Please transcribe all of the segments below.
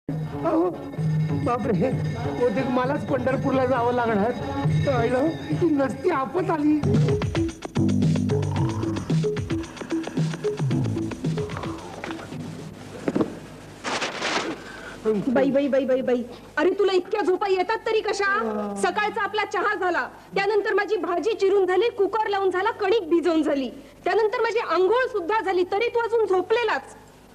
अहो, बापरे, बहुतेक मलाच पंढरपूरला जावं लागणार. कळलं, ही नसती आपत आली. बाई बाई बाई बाई बाई, अरे तुला इतक्या झोपा येतात तरी कशा? सकाळचा आपला चहा झाला, त्यानंतर माझी भाजी चिरून झाली, कुकर लावून झाला, कणिक भिजवून झाली, त्यानंतर माझी आंघोळ सुद्धा झाली, तरी तू अजून झोपलेलाच.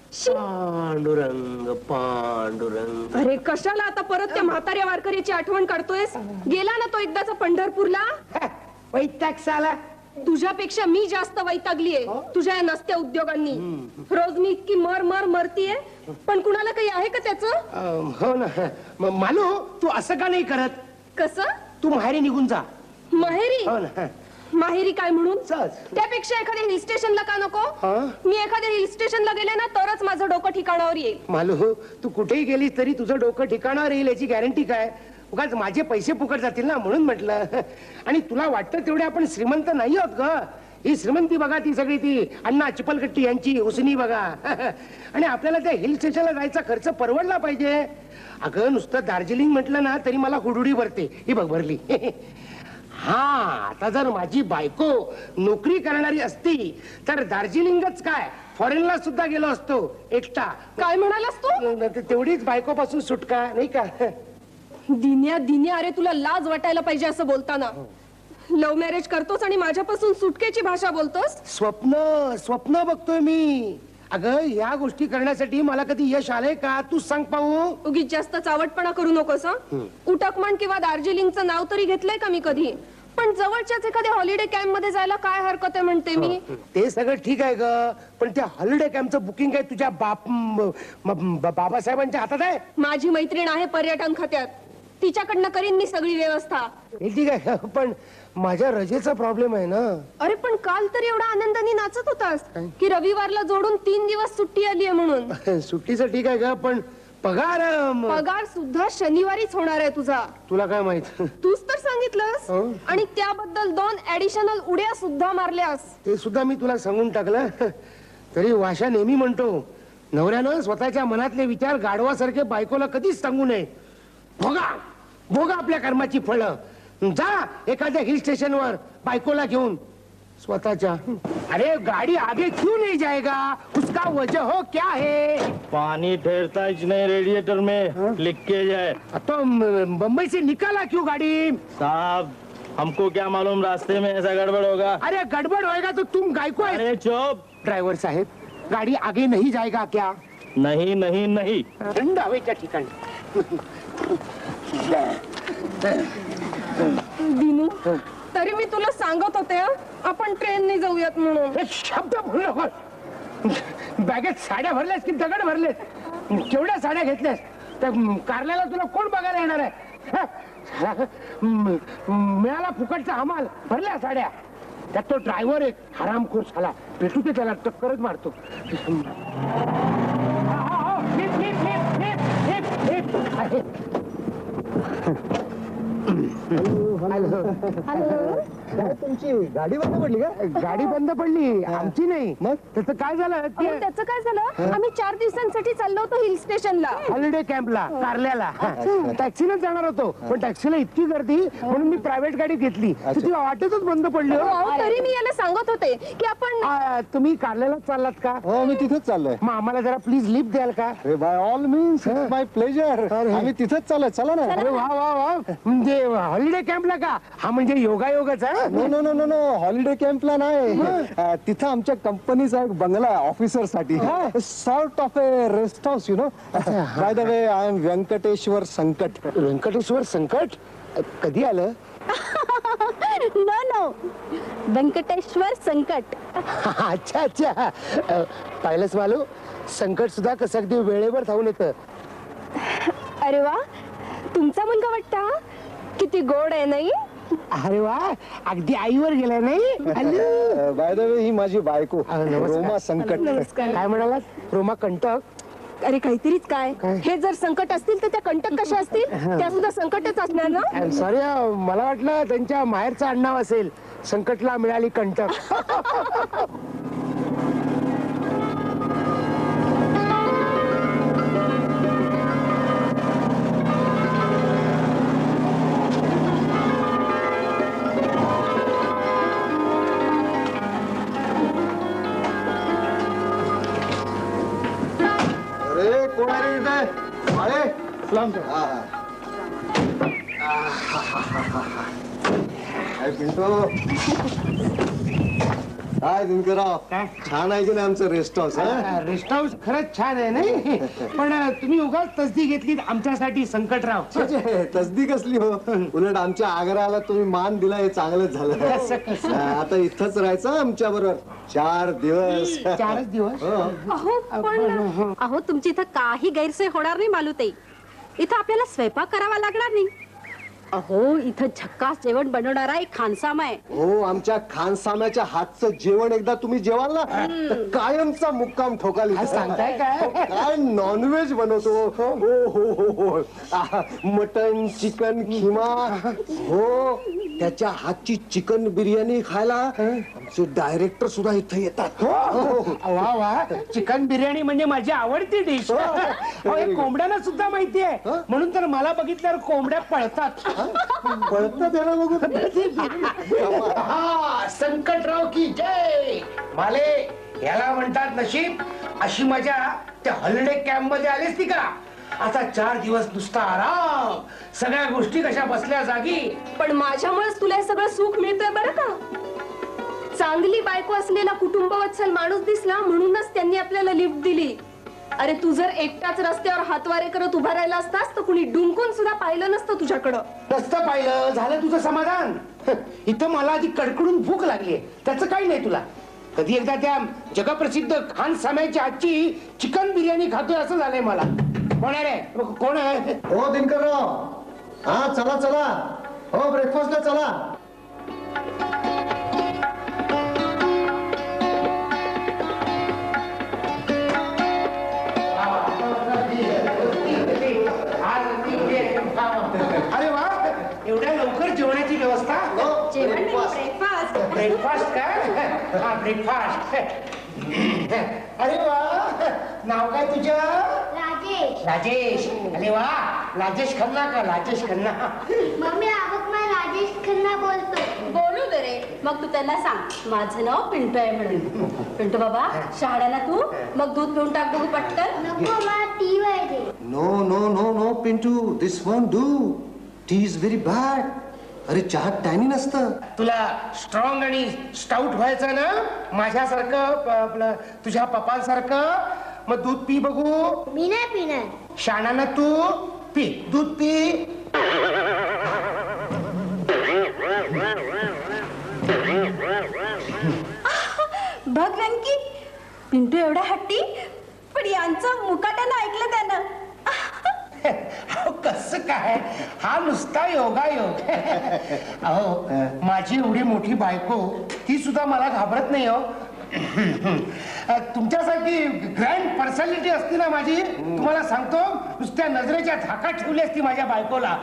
पांडुरंग पांडुरंग. अरे कशाला आता परत त्या म्हाताऱ्या वारकऱ्याची आठवण काढतोयस? गेला ना तो एकदाचा पंढरपूरला. वैताग साला. तुझ्यापेक्षा मी जास्त वैतागलीये तुझ्या या नसत्या उद्योगांनी. रोज मी इतकी मर मर मरतीये, पण कुणाला काही आहे का त्याचं? हो ना. मालू, तू असं का नाही करत? कसं? तू माहेरी निघून जा. माहेरी? हो ना. माहेरी काय म्हणून? सहज. त्यापेक्षा एखाद्या हिल स्टेशनला का नको? मी एखाद्या हिल स्टेशनला गेले ना तरच माझं डोकं ठिकाणावर येईल. मालू, तू कुठेही गेलीस तरी तुझं डोकं ठिकाणावर येईल याची गॅरंटी काय? उगाच माझे पैसे फुकट जातील ना, म्हणून म्हटलं. आणि तुला वाटतं तेवढे आपण श्रीमंत नाही आहोत ग. ही श्रीमंती बघा, ती सगळी ती अण्णा चिपलकट्टी यांची उसनी बघा. आणि आपल्याला त्या हिल स्टेशनला जायचा खर्च परवडला पाहिजे. अगं नुसतं दार्जिलिंग म्हटलं ना तरी मला हुडुडी भरते. ही बघ भरली. हा, आता जर माझी बायको नोकरी करणारी असती तर दार्जिलिंगच काय फॉरेनला सुद्धा गेलो असतो एकटा. काय म्हणालास तू? तेवढीच बायकोपासून सुटका, नाही का? दिन्या दिन्या, अरे तुला लाज वाटायला पाहिजे असं बोलताना. लव्ह मॅरेज करतोस आणि माझ्यापासून सुटकेची भाषा बोलतोस. स्वप्न स्वप्न बघतोय मी. अगं या गोष्टी करण्यासाठी मला कधी यश आलंय का? तू सांग पाहू. उगीच जास्त चावटपणा करू नकोस. उटकमण किंवा दार्जिलिंगचं नाव तरी घेतलंय का मी कधी? पण जवळच्याच एखाद्या हॉलिडे कॅम्प मध्ये जायला काय हरकत आहे म्हणते मी. ते सगळं ठीक आहे ग, पण त्या हॉलिडे कॅम्पचं बुकिंग काय तुझ्या बाबासाहेबांच्या हातात आहे? माझी मैत्रीण आहे पर्यटन खात्यात, तिच्याकडनं करीन मी सगळी व्यवस्था. ठीक आहे, पण माझ्या रजेचा प्रॉब्लेम आहे ना. अरे पण काल तर एवढा आनंदाने नाचत होतास की रविवारला जोडून 3 दिवस सुट्टी आली आहे म्हणून. सुट्टीचं ठीक आहे ग, पण पगार पगार सुद्धा शनिवारीच होणार आहे तुझा. तुला काय माहित? तूच तर सांगितलंस. आणि त्याबद्दल 2 ऍडिशनल उड्या सुद्धा मारल्यास. ते सुद्धा मी तुला सांगून टाकलं. तरी वाशा नेहमी म्हणतो, नवऱ्यानं स्वतःच्या मनातले विचार गाढवासारखे बायकोला कधीच सांगू नये. भोगा भोगा आपल्या कर्माची फळं. जा एखाद्या हिल स्टेशनवर बायकोला घेऊन स्वतःच्या. अरे गाडी आगे क्यों नहीं जाएगा? उसका वजह हो क्या है? पानी ठहरता नहीं रेडिएटर में, लीकेज है. तो बम्बई से निकाला क्यों गाड़ी? साहब हमको क्या मालूम रास्ते में ऐसा गड़बड़ होगा. अरे गड़बड़ होएगा तो तुम गायको है. अरे चुप. ड्राइवर साहेब, गाड़ी आगे नहीं जाएगा क्या? नहीं नहीं नहीं. थंड हवेच्या ठिकाणी. दिनू, तरी मी तुला सांगत होते आपण ट्रेनने जाऊयात म्हणून. एक शब्द बोलू नकोस. बॅगेत साड्या भरल्यास की दगड भरलेस? केवढ्या साड्या घेतल्यास? त्या कारल्याला तुला कोण बघायला येणार आहे? मिळाला फुकटचा हमाल, भरल्या साड्या. त्यात तो ड्रायव्हर एक हरामखोर झाला. भेटू ते त्याला, टक्करच मारतो. तुमची गाडी बंद पडली का? गाडी बंद पडली, आमची नाही. मग त्याचं काय झालं? त्याचं काय झालं? आम्ही 4 दिवसांसाठी चाललो होतो हिल स्टेशनला, हॉलिडे कॅम्पला, कारल्याला. टॅक्सीने जाणार होतो, पण टॅक्सीला इतकी गर्दी म्हणून मी प्रायव्हेट गाडी घेतली. ती वाटेतच बंद पडली. तरी मी याला सांगत होते की आपण. तुम्ही कारल्याला चाललात का? हो, मी तिथेच चाललोय. मग आम्हाला जरा प्लीज लिफ्ट द्याल का? अरे by all means, it's my pleasure. आम्ही तिथेच चाललोय, चला ना. अरे वा वा वा. म्हणजे हॉलिडे कॅम्पला का? हा म्हणजे योगायोगच आहे. No no no no no, holiday कॅम्पला नाही. तिथं आमच्या कंपनीचा एक बंगला आहे ऑफिसर साठी. Sort of a rest house, you know. By the way, I am Venkateshwar Sankat. Venkateshwar संकट कधी आलं? नो नो, व्यंकटेश्वर संकट. अच्छा अच्छा. पाहिलंच मालू, संकट सुद्धा कसं अगदी वेळेवर धावून येतं. अरे वा, तुमचा मुलगा वाटता. किती गोड आहे नाही? अरे वा, अगदी आईवर गेलाय नाही? बाय द वे, ही माझी बायको रोमा संकट. नमस्कार. काय म्हणालात? रोमा कंटक? अरे काहीतरीच काय. हे जर संकट असतील तर त्या कंटक कशा असतील? त्या सुद्धा संकटच असणार ना. सॉरी, मला वाटलं त्यांच्या माहेरचं आडनाव असेल. संकटला मिळाली कंटक. अरे सलाम काय पिंटू काय दिनकरराव काय? छान आहे की नाही आमचं रेस्ट हाऊस रेस्ट हाऊस खरंच छान आहे नाही पण तुम्ही उगाच तसदी घेतली आमच्यासाठी संकटराव. तसदी कसली हो उलट आमच्या आग्रहाला तुम्ही मान दिला हे चांगलंच कसं, कसं? झालं आता इथंच राहायचं आमच्या बरोबर 4 दिवस 4च दिवस. अहो पण अहो तुमची इथं काही गैरसोय होणार नाही मालूताई. इथं आपल्याला स्वयंपाक करावा लागणार नाही. अहो इथं झक्कास जेवण बनवणारा एक खानसामा आहे. हो आमच्या खानसाम्याच्या हातचं जेवण एकदा तुम्ही जेवाल ना तर कायमचा मुक्काम ठोकाल इथं. सांगताय काय? काय नॉनव्हेज बनवतो हो हो हो हो मटन चिकन खिमा हो त्याच्या हातची चिकन बिर्याणी खायला आमचे डायरेक्टर सुद्धा इथं येतात. वा वा चिकन बिर्याणी म्हणजे माझी आवडती डिश. कोंबड्यांना सुद्धा माहिती आहे म्हणून तर मला बघितल्यावर कोंबड्या पळतात. पळतं त्याला बघू हा संकटराव की जय. माले याला म्हणतात नशीब. अशी मजा त्या हॉलिडे कॅम्प मध्ये आलीस ती का? आता 4 दिवस नुसता आराम, सगळ्या गोष्टी कशा बसल्या जागी. पण माझ्यामुळेच तुला हे सगळं सुख मिळतंय बरं का. चांगली बायको असलेला कुटुंबवत्सल माणूस दिसला म्हणूनच त्यांनी आपल्याला लिफ्ट दिली. अरे तू जर एकटाच रस्त्यावर हातवारे करत उभा राहिला असतास तर कुणी डुंकून सुद्धा पाहिलं नसतं तुझ्याकडं. नसतं पाहिलं झालं तुझं समाधान. इथं मला आधी कडकडून भूक लागली त्याचं काही नाही तुला. कधी एकदा त्या जगप्रसिद्ध खान साम्याच्या आजची चिकन बिर्याणी खातोय असं झालंय मला. कोण आहे रे? कोण आहे? हो दिनकरराव हा चला चला हो ब्रेकफास्टला चला. अरे वा एवढ्या लवकर जेवणाची व्यवस्था. ब्रेकफास्ट. ब्रेकफास्ट काय? हा ब्रेकफास्ट. अरे वा नाव काय तुझं? राजेश. राजेश. अरे वा राजेश खन्ना का? राजेश खन्ना. मम्मी आवक मला राजेश खन्ना बोलतो. बोलू दे रे. मग तू त्यांना सांग माझं नाव पिंटू आहे म्हणून. पिंटू बाबा शहाड्याला तू मग दूध पिऊन टाक बघू पटकन. नको मला टी पाहिजे. No no no no Pintu this won't do. Tea is very bad. अरे चहात टॅनिन असतं. तुला स्ट्रॉंग आणि स्टाउट व्हायचं ना माझ्यासारखं आपलं तुझ्या पप्पांसारखं. मग दूध पी बघू. मी नाही पिणार. शाणाना तू पी दूध पी. बघ रंकी पिंटू एवढा हट्टी पण यांचं मुकाट्यानं ऐकलं त्यानं. अहो कसं काय? हा नुसता योगायोग. अहो माझी एवढी मोठी बायको ती सुद्धा मला घाबरत नाही हो. तुमच्यासारखी ग्रँड पर्सनॅलिटी असती ना माझी तुम्हाला सांगतो नुसत्या नजरेच्या धाकात ठेवली असती माझ्या बायकोला.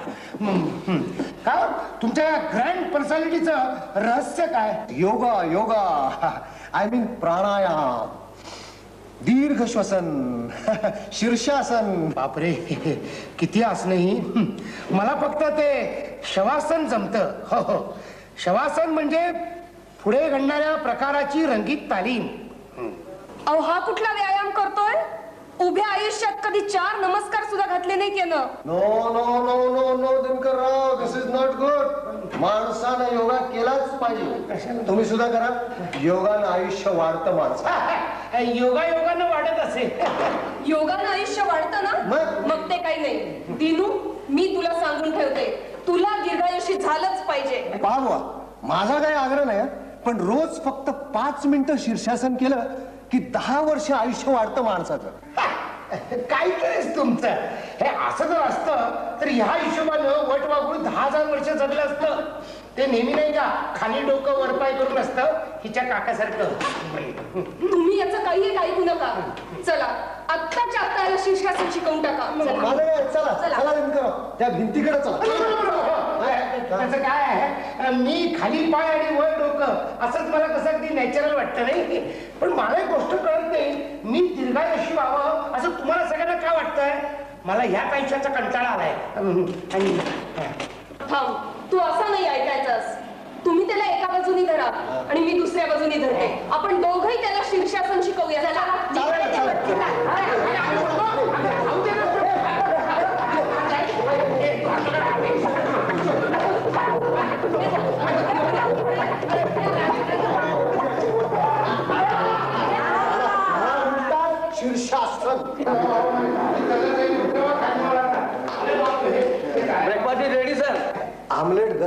का तुमच्या ग्रँड पर्सनॅलिटीचं रहस्य काय? Yoga yoga I mean pranayama दीर्घ श्वसन शीर्षासन. बापरे किती असणं ही. मला फक्त ते शवासन जमतं. हो हो शवासन म्हणजे पुढे घडणाऱ्या प्रकाराची रंगीत तालीम. अहो हा कुठला व्यायाम करतोय? उभ्या आयुष्यात कधी 4 नमस्कार सुद्धा घातले नाही त्यानं. No no no no no Dinkarrao this is not good. माणसानं योगा केलाच पाहिजे. तुम्ही सुद्धा करा. योगानं आयुष्य वाढतं माणसं. योगा योगानं वाढत असेल. योगानं आयुष्य वाढतं ना मग ते काही नाही. दिनू मी तुला सांगून ठेवते तुला दीर्घायुषी झालंच पाहिजे. पाहवा माझा काही आग्रह नाही पण रोज फक्त 5 मिनिटं शीर्षासन केलं की 10 वर्ष आयुष्य वाढतं माणसाचं. काहीतरीच तुमचं. हे असं जर असतं तर ह्या हिशोबानं वट वागून 10,000 वर्ष जगलं असतं. ते नेहमी नाही का खाली डोकं वरपाय करून असतं हिच्या काकासारखं. तुम्ही याचं काही ऐकू नका. चला आत्ताच्या आत्ता याला शीर्षासन शिकवून टाका. माझं काय चला चला दिनकरराव त्या भिंतीकडे चला. त्याचं काय आहे मी खाली पाय आणि वर डोकं असंच मला कसं अगदी नॅचरल वाटतं नाही. पण मला एक गोष्ट कळत नाही मी दीर्घायुषी व्हावं असं तुम्हाला सगळ्यांना काय वाटतंय? मला ह्याच आयुष्याचा कंटाळा आलाय. आणि थांब तू असं नाही ऐकायचंस. तुम्ही त्याला एका बाजूनी धरा आणि मी दुसऱ्या बाजूनी धरते. आपण दोघंही त्याला शीर्षासन शिकवूया. चला.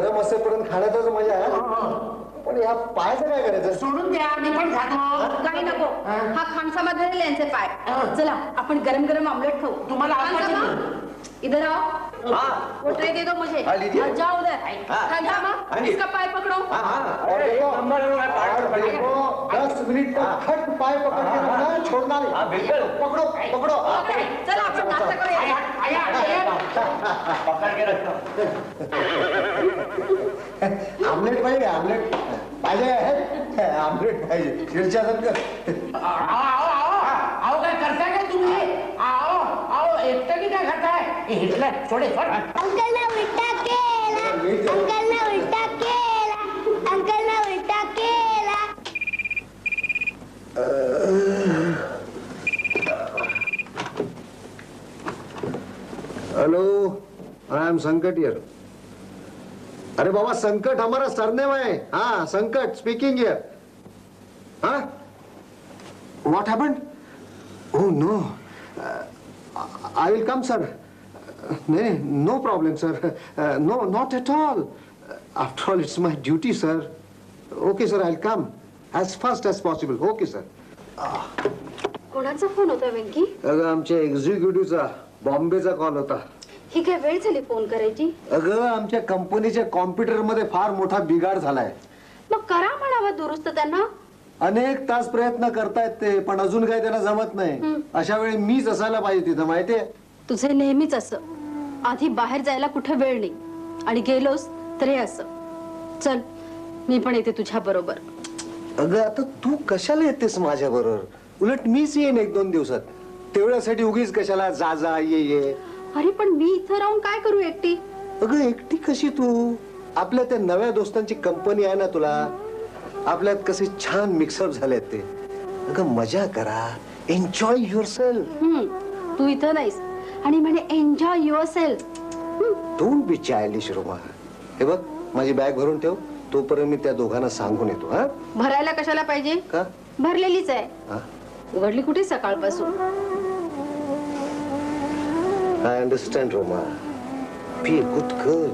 गरम असेपर्यंत खाण्यातच मजा आहे. पण या पायाचं काय करायचं? सोडून द्या, मी पण खातो. काही नको. हा खानसामा धरेल यांचे पाय. चला आपण गरम गरम ऑमलेट खाऊ. तुम्हाला आवडते खानसामा, इधर आओ. वो ट्रे दे दो मुझे. हाँ, लीजिए. और जाओ उधर. खानसामा, हाँ जी. इसका पाय पकड़ो. और देखो 10 मिनिट तक खट पाय पकड़ के रखना, छोड़ना नहीं. पकड़ो पकड़ो. चला आपण नाश्ता करूया. आमलेट पाहिजे. आमलेट पाहिजे. आमलेट पाहिजे. शिरच्यासारखं. आओ काय करताय काय तुम्ही? आओ आओ एकटं की काय खाताय? हिटलर सोडे सोड. अंकल ने उलटा केला. अंकल ने उलटा केला. अंकल ने उलटा केला. Hello, I am Sankat here. अरे बाबा, संकट हमारा सरनेम है. हाँ, संकट स्पीकिंग हियर. हाँ, what happened? Oh no, I will come sir. नहीं, no problem sir. No, not at all. After all it's my duty sir. Okay sir, I will come as fast as possible. Okay sir. कोणाचा phone होता वेंकी? अगं आमच्या एक्झिक्युटिव्हचा बॉम्बेचा call होता. ही काय वेळ झाली phone करायची? अगं आमच्या कंपनीच्या कॉम्प्युटर मध्ये फार मोठा बिघाड झालाय. मग करा म्हणावं दुरुस्त त्यांना. अनेक तास प्रयत्न करतायत ते, पण अजून काही त्यांना जमत नाही. अशा वेळी मीच असायला पाहिजे तिथं, माहितीये? तुझे नेहमीच असं. आधी बाहेर जायला कुठे वेळ नाही आणि गेलोस तर हे असं. चल मी पण येते तुझ्या बरोबर. अगं आता तू कशाला येतेस माझ्या बरोबर? उलट मीच येईन 1-2 दिवसात. तेवढ्यासाठी उगीच कशाला जा जा ये ये. अरे पण मी इथं राहून काय करू एकटी? अगं एकटी कशी तू? आपल्या त्या नव्या दोस्तांची कंपनी आहे ना तुला. आपल्यात कसे छान मिक्सअप झालेत ते. अगं मजा करा, एन्जॉय युअर सेल्फ. तू इथं नाहीस आणि म्हणे enjoy yourself. Don't be childish Roma. हे बघ, माझी बॅग भरून ठेव. तोपर्यंत मी त्या दोघांना सांगून येतो. हा, भरायला कशाला पाहिजे? का? भरलेलीच आहे. हा, उघडली कुठे सकाळपासून? I understand Roma. Be a good girl.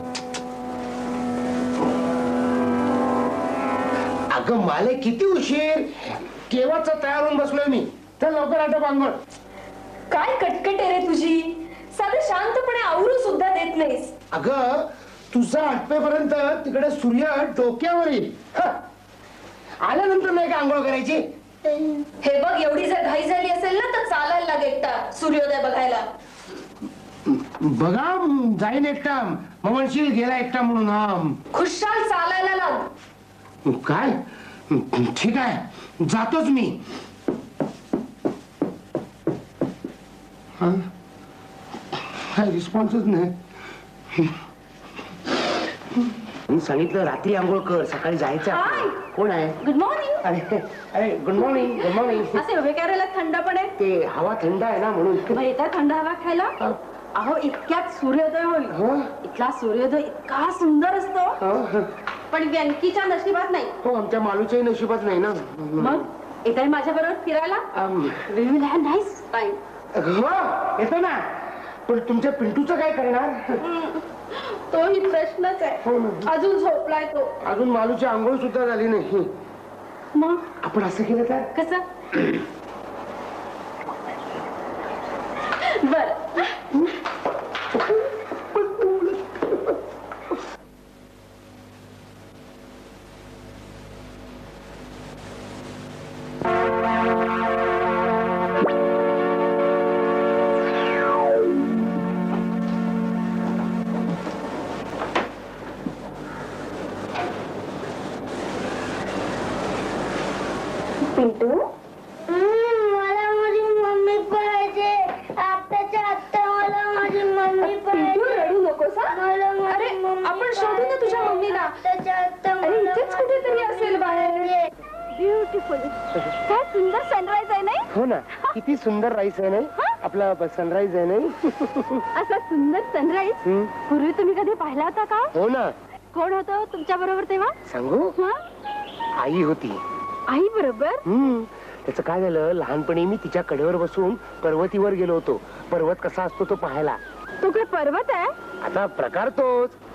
अगं माले किती उशीर, केव्हाचा तयार होऊन बसलोय मी. तर लवकर आता बांगोळ. काय कटकट आहे रे तुझी. साधं शांतपणे आवरू सुद्धा देत नाहीस. अगं तुझा आटपेपर्यंत तिकडे सूर्य डोक्यावर येईल. आल्यानंतर नाही का आंघोळ करायची? हे बघ, एवढी जर घाई झाली असेल ना तर चालायला लाग एकटा सूर्योदय बघायला. बघा जाईन एकटा, मग म्हणशील गेला एकटा म्हणून. हा खुशाल चालायला लाग. काय? ठीक आहे, जातोच मी. हा? काय रिस्पॉन्सच नाही. मी सांगितलं रात्री आंघोळ कर, सकाळी जायचं हाय. आपल्याला. कोण आहे? Good morning. अरे अरे गुड मॉर्निंग. Good morning. असे उभे करायला थंड पण आहे. ते हवा थंड आहे ना म्हणून. मग येतात थंड हवा खायला. अहो इतक्यात सूर्योदय होईल. इथला सूर्योदय इतका सुंदर असतो, पण व्यंकीच्या नशिबात नाही. हो, आमच्या मालूच्याही नशिबात नाही ना. मग येताय माझ्या बरोबर फिरायला? We will have nice time. हो येतो ना, पण तुमच्या पिंटूचं काय करणार? तोही प्रश्नच आहे. अजून झोपलाय तो. अजून मालूची आंघोळ सुद्धा झाली नाही. मग आपण असं केलं तर? कसं? बर. पिंटू, मला माझी मम्मी पाहिजे. आत्ताच्या आत्ता मला माझी मम्मी पिंटू पाहिजे. रडू नकोस हा. मला माझी अरे मम्मी आपण शोधू ना तुझ्या मम्मीला. आत्ताच्या आत्ता अरे मला इथेच माझी कुठेतरी मम्मी असेल बाहेर. पाहिजे. ब्युटिफुल. काय सुंदर सनराईज आहे नाही? हो ना, किती सुंदर राईस आहे नाही आपला सनराईज आहे नाही. असा सुंदर सनराईज पूर्वी तुम्ही कधी पाहिला होता का? हो ना. कोण होतं तुमच्या बरोबर तेव्हा? सांगू? हा? आई होती. आई बरोबर? त्याचं काय झालं, लहानपणी मी तिच्या कडेवर बसून पर्वतीवर गेलो होतो. पर्वत कसा असतो तो पाहायला. तो काय पर्वत आहे? आता प्रकार तोच.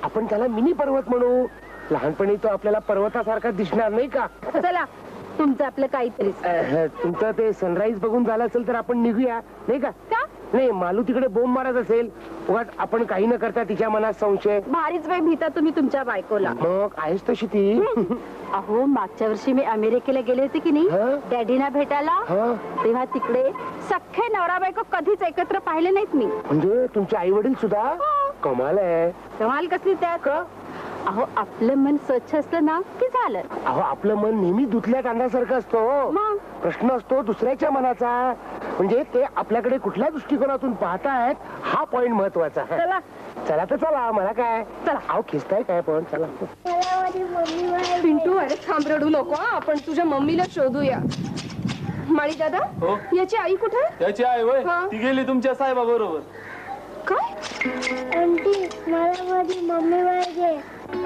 आपण त्याला मिनी पर्वत म्हणू. लहानपणी तो आपल्याला पर्वतासारखा दिसणार नाही का? चला तुमचं आपलं काहीतरी. तुमचं ते सनराईज बघून झालं असेल तर आपण निघूया नाही का? का नाही, मालू तिकडे बोंब मारत असेल, उगाच आपण काही न करता तिच्या मनात संशय. भारीच वेळ भीता तुम्ही तुमच्या बायकोला. मग आहेस तशी ती. अहो मागच्या वर्षी मी अमेरिकेला गेले होते की नाही हं? डॅडीना भेटायला. हा, तेव्हा तिकडे सख्खे नवरा बायको कधीच एकत्र पाहिले नाहीत मी. म्हणजे तुमचे आई वडील सुद्धा? कमाल आहे. कमाल कसली त्यात. अहो आपलं मन स्वच्छ असलं ना की झालं. अहो आपलं मन नेहमी धुतल्या कांद्यासारखं असतो. मग प्रश्न असतो दुसऱ्याच्या मनाचा, म्हणजे ते आपल्याकडे कुठल्या दृष्टिकोनातून पाहतायत हा पॉइंट महत्वाचा. चला चला तर चला, मला काय. चला. अहो खिस्ताय काय पण, चला. मला माझी मम्मी पाहिजे. पिंटू अरे थांब रडू नको हं. आपण तुझ्या मम्मीला शोधूया. माळी दादा हो? याची आई कुठे आहे? त्याची आई होय हा. ती गेली तुमच्या साहेबा बरोबर. काय आंटी मला माझी मम्मी पाहिजे.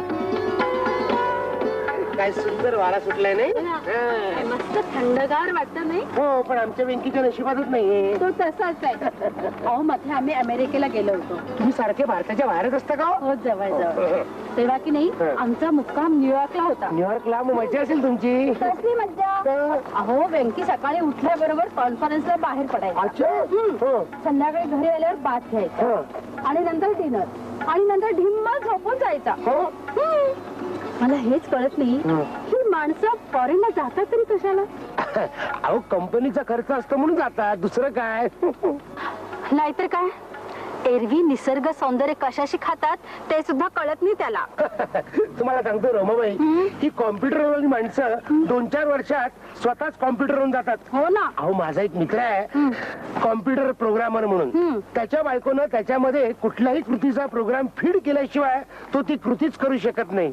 काय सुंदर वारा सुटलाय नाही? काय मस्त थंडगार वाटत नाही. हो, पण आमच्या वेंकीच्या नशिबातच नाहीये. तो तसाच आहे. अहो मध्ये आम्ही अमेरिकेला गेलो होतो. तुम्ही सारखे भारताच्या बाहेरच असता का? हो जवळ जवळ. तेव्हा की नाही आमचा मुक्काम न्यूयॉर्कला होता. न्यूयॉर्कला मग मजा असेल तुमची. कसली मज्जा. अहो वेंकी सकाळी उठल्याबरोबर कॉन्फरन्सला बाहेर पडायचा. अच्छा. हो. संध्याकाळी घरी आल्यावर बाथ घ्यायचा हो. आणि नंतर डिनर आणि नंतर ढिम्मा झोपून जायचा. हो. मला हेच कळत नाही ही माणसं फॉरेनला जातात तरी कशाला. अहो कंपनीचा खर्च असतो म्हणून जातात, दुसरं काय. नाहीतर काय एरवी निसर्ग सौंदर्य कशाशी खातात ते सुद्धा कळत नाही त्याला. तुम्हाला सांगतो रमाबाई, ही कॉम्प्युटरवरील माणसं 2-4 वर्षात स्वतःच कॉम्प्युटरवरून जातात. हो ना. अहो माझा एक मित्र आहे कॉम्प्युटर प्रोग्रामर म्हणून. त्याच्या बायकोनं त्याच्यामध्ये कुठल्याही कृतीचा प्रोग्राम फीड केल्याशिवाय तो ती कृतीच करू शकत नाही.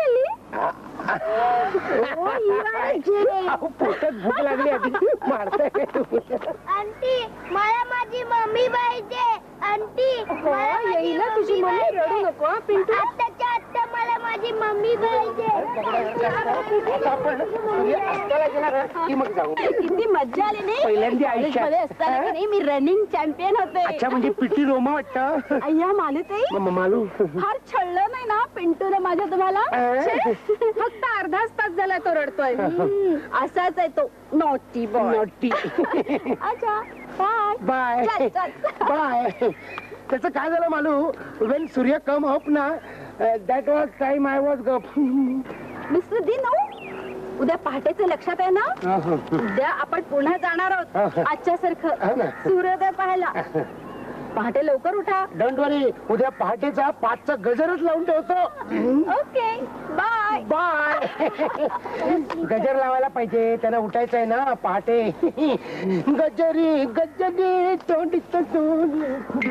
अहो पोटात भूक लागली आधी मारताय. आंटी मला माझी मम्मी पाहिजे. आंटी मला माझी येईल ना तुझी मम्मी. पाहिजे. रडू नको हं, पिंटू. आत्ताच्या आत्ता मला माझी मम्मी पाहिजे. आता आपण अस्ताला गेला ना की मग जाऊ. किती मज्जा आली नाही. पहिल्यांदा आयुष्यात. कॉलेजमध्ये असताना की नाही मी रनिंग चॅम्पियन होते. अच्छा, म्हणजे पिटी रोमा वाटतं. अय्या मालूताई मालू. फार छळलं नाही ना पिंटूने माझ्या तुम्हाला. छे, फक्त अर्धाच तास झाला तो रडतोय. असाच आहे तो नॉटी बॉय. नॉटी. अच्छा बाय बाय चल, चल. बाय. त्याचं काय झालं Malu, when Surya come up ना that was time I was गप. मिस्टर दिनू उद्या पहाटेचं लक्षात आहे ना. उद्या आपण पुन्हा जाणार आहोत आजच्या हो सारखं ना. सूर्योदय पाहायला. पहाटे लवकर उठा. डोंट वरी, उद्या पहाटेचा 5चा गजरच लावून ठेवतो. Okay bye bye. गजर लावायला पाहिजे, त्यांना उठायचं आहे ना पहाटे. गजरी गजरी तोंडी तोंड.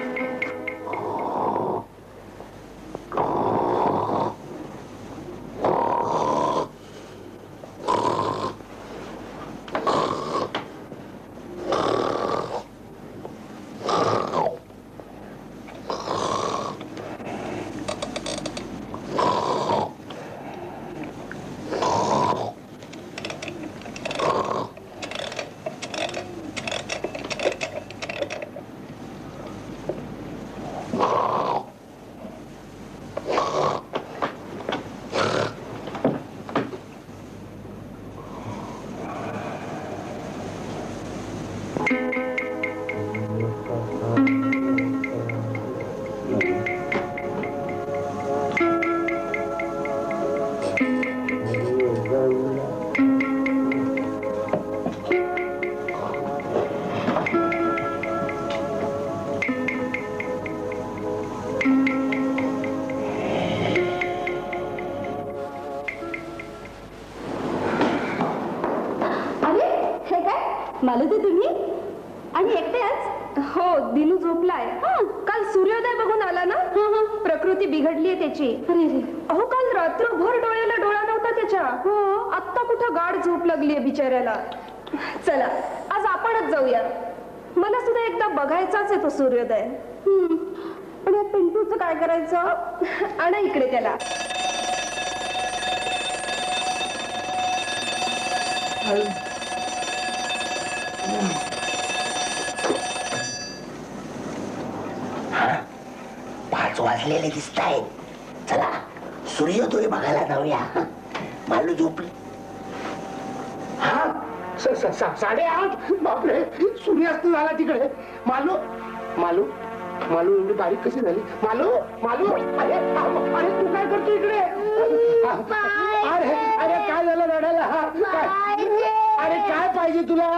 मालती तुम्ही आणि एकट्याच. हो दिनू झोपलाय. काल सूर्योदय बघून आला ना. प्रकृती बिघडलीये त्याची. अहो काल रात्रभर डोळ्याला डोळा नव्हता त्याच्या. आत्ता कुठं गाढ झोप लागलीये बिचाऱ्याला. चला आज आपणच जाऊया. मला सुद्धा एकदा बघायचाच आहे तो सूर्योदय. पण या पिंटूचं काय करायचं. आणा इकडे त्याला. पाच वाजलेले दिसतायत. चला सूर्योदय बघायला जाऊया. मालू झोपली. हा 8:30 बापरे सूर्यास्त झाला तिकडे. मालू मालू मालू एवढी बारीक कशी झाली? मालू मालू अरे अरे तू काय करतो इकडे? अरे अरे काय झालं रडायला? अरे काय पाहिजे तुला?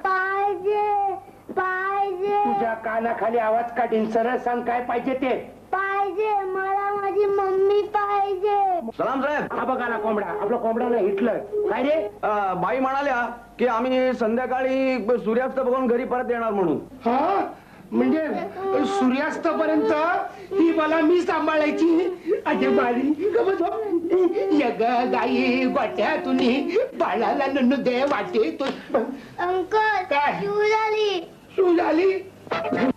तुझ्या कानाखाली आवाज काढीन. सरळ सांग काय पाहिजे ते. मला माझी मम्मी पाहिजे. सलाम साहेब. हा बघा ना कोंबडा. आपला कोंबडा हिटलर. काय रे? बाई म्हणाल्या की आम्ही संध्याकाळी सूर्यास्त बघून घरी परत येणार म्हणून. हा म्हणजे सूर्यास्त पर्यंत ही मला मी सांभाळायची. अरे बारी यग गाई गोट्यातून बाळाला नन्नू दे वाटे. अंकल काय? शिव झाली. तू झाली